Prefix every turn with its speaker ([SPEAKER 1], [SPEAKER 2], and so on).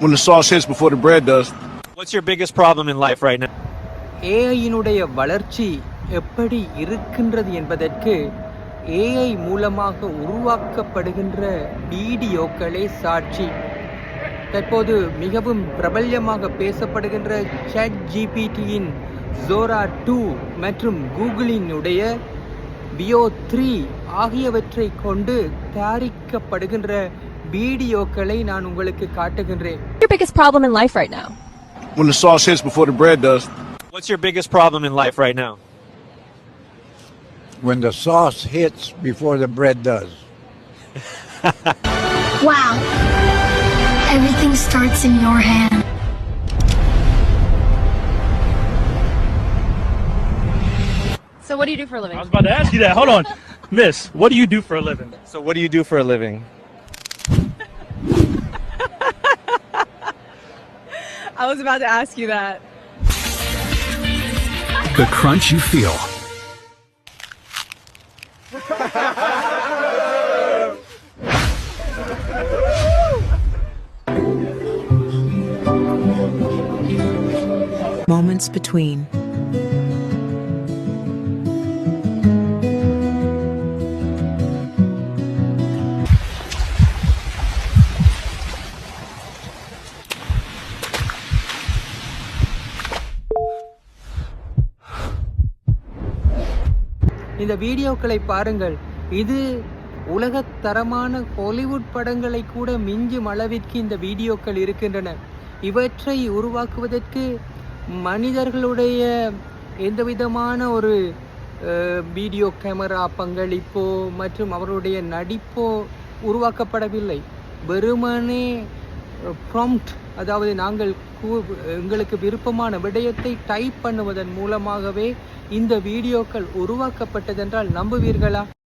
[SPEAKER 1] when the sauce hits before the bread does.
[SPEAKER 2] What's your biggest problem in life right now?
[SPEAKER 3] ஏஐயினுடைய வளர்ச்சி எப்படி இருக்கின்றது என்பதற்கு AI மூலமாக உருவாக்கப்படுகின்ற வீடியோக்களே சாட்சி. தற்போது மிகவும் பிரபல்யமாக பேசப்படுகின்ற சாட் ஜிபிடியின் ஜோரா 2 மற்றும் கூகுளினுடைய பியோ 3 ஆகியவற்றை கொண்டு தயாரிக்கப்படுகின்ற வீடியோக்களை நான் உங்களுக்கு காட்டுகின்றேன்.
[SPEAKER 4] Your biggest problem in life right now?
[SPEAKER 1] When the sauce hits before the bread does.
[SPEAKER 2] What's your biggest problem in life right now?
[SPEAKER 5] When the sauce hits before the bread does.
[SPEAKER 6] Wow. Everything starts in your hand.
[SPEAKER 4] So what do you do for a living?
[SPEAKER 7] I was about to ask you that. Hold on. Miss, what do you do for a living?
[SPEAKER 2] So what do you do for a living?
[SPEAKER 4] I was about to ask you that.
[SPEAKER 8] The crunch you feel.
[SPEAKER 9] Moments between.
[SPEAKER 3] இந்த வீடியோக்களை பாருங்கள். இது உலகத்தரமான Hollywood படங்களை கூட மிஞ்சும் அளவிற்கு இந்த வீடியோக்கள் இருக்கின்றன. இவற்றை உருவாக்குவதற்கு மனிதர்களுடைய எந்தவிதமான ஒரு வீடியோ கேமரா பங்களிப்போ மற்றும் அவருடைய நடிப்போ உருவாக்கப்படவில்லை. வெறுமனே ப்ராம்ப்ட், அதாவது நாங்கள் எங்களுக்கு விருப்பமான விடயத்தை டைப் பண்ணுவதன் மூலமாகவே இந்த வீடியோக்கள் உருவாக்கப்பட்டதென்றால் நம்புவீர்களா?